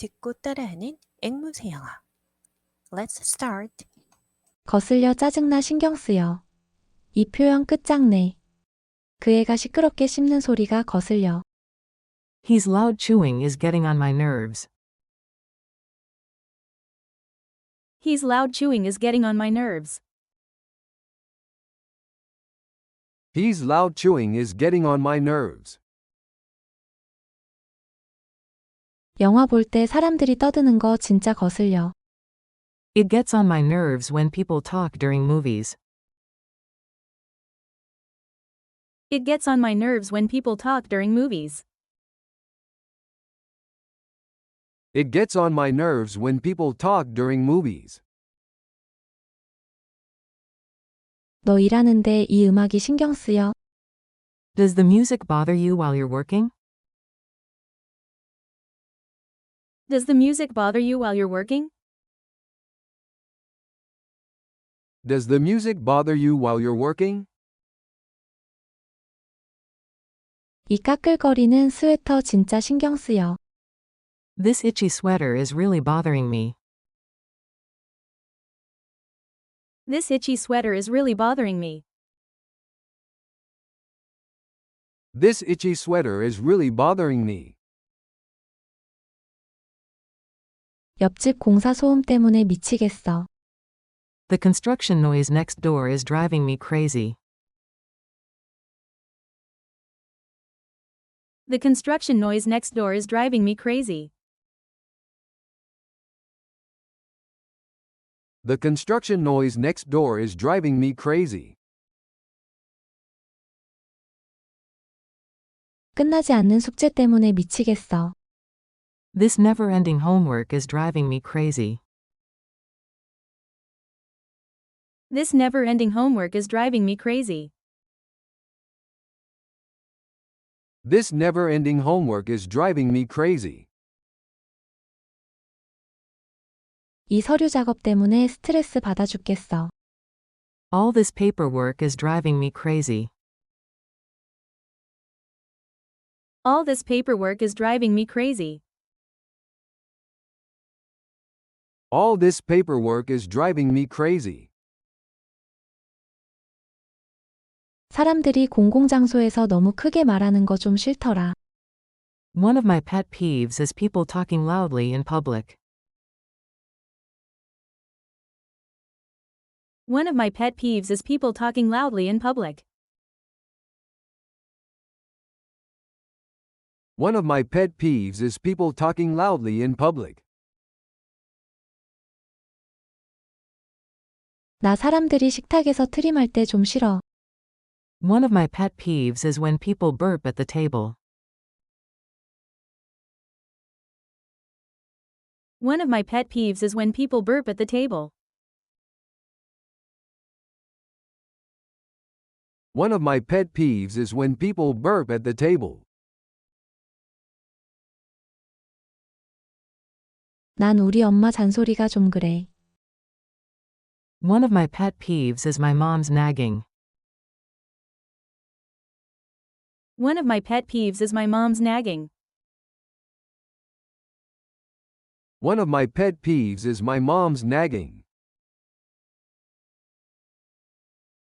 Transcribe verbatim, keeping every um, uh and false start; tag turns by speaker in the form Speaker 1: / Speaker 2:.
Speaker 1: 듣고 따라하는 앵무새 영어. Let's start.
Speaker 2: 거슬려 짜증나 신경 쓰여. 이 표현 끝장내. 그 애가 시끄럽게 씹는 소리가 거슬려.
Speaker 3: He's loud chewing is getting on my nerves.
Speaker 4: He's loud chewing is getting on my nerves.
Speaker 5: He's loud chewing is getting on my nerves.
Speaker 2: 영화 볼 때 사람들이 떠드는 거 진짜 거슬려.
Speaker 3: It gets on my nerves when people talk during movies.
Speaker 4: It gets on my nerves when people talk during movies.
Speaker 5: It gets on my nerves when people talk during movies.
Speaker 2: 너 일하는데 이 음악이 신경 쓰여.
Speaker 3: Does the music bother you while you're working?
Speaker 4: Does the music bother you while you're working?
Speaker 5: Does the music bother you while you're working?
Speaker 2: 이 까끌거리는 스웨터 진짜 신경 쓰여.
Speaker 3: This itchy sweater is really bothering me.
Speaker 4: This itchy sweater is really bothering me.
Speaker 5: This itchy sweater is really bothering me.
Speaker 2: 옆집 공사 소음 때문에 미치겠어.
Speaker 3: The construction noise next door is driving me crazy.
Speaker 4: The construction noise next door is driving me crazy.
Speaker 5: The construction noise next door is driving me crazy.
Speaker 2: 끝나지 않는 숙제 때문에 미치겠어.
Speaker 3: This never-ending homework is driving me crazy.
Speaker 4: This never-ending homework is driving me crazy.
Speaker 5: This never-ending homework is driving me crazy.
Speaker 2: 이 서류 작업 때문에 스트레스 받아 죽겠어.
Speaker 3: All this paperwork is driving me crazy.
Speaker 4: All this paperwork is driving me crazy.
Speaker 5: All this paperwork is driving me crazy.
Speaker 2: 사람들이 공공장소에서 너무 크게 말하는 거 좀 싫더라.
Speaker 3: One of my pet peeves is people talking loudly in public.
Speaker 4: One of my pet peeves is people talking loudly in public.
Speaker 5: One of my pet peeves is people talking loudly in public.
Speaker 2: 나 사람들이 식탁에서 트림할 때 좀 싫어.
Speaker 3: One of my pet peeves is when people burp at the table.
Speaker 4: One of my pet peeves is when people burp at the table.
Speaker 5: One of my pet peeves is when people burp at the table.
Speaker 2: 난 우리 엄마 잔소리가 좀 그래.
Speaker 3: One of my pet peeves is my mom's nagging.
Speaker 4: One of my pet peeves is my mom's nagging.
Speaker 5: One of my pet peeves is my mom's nagging.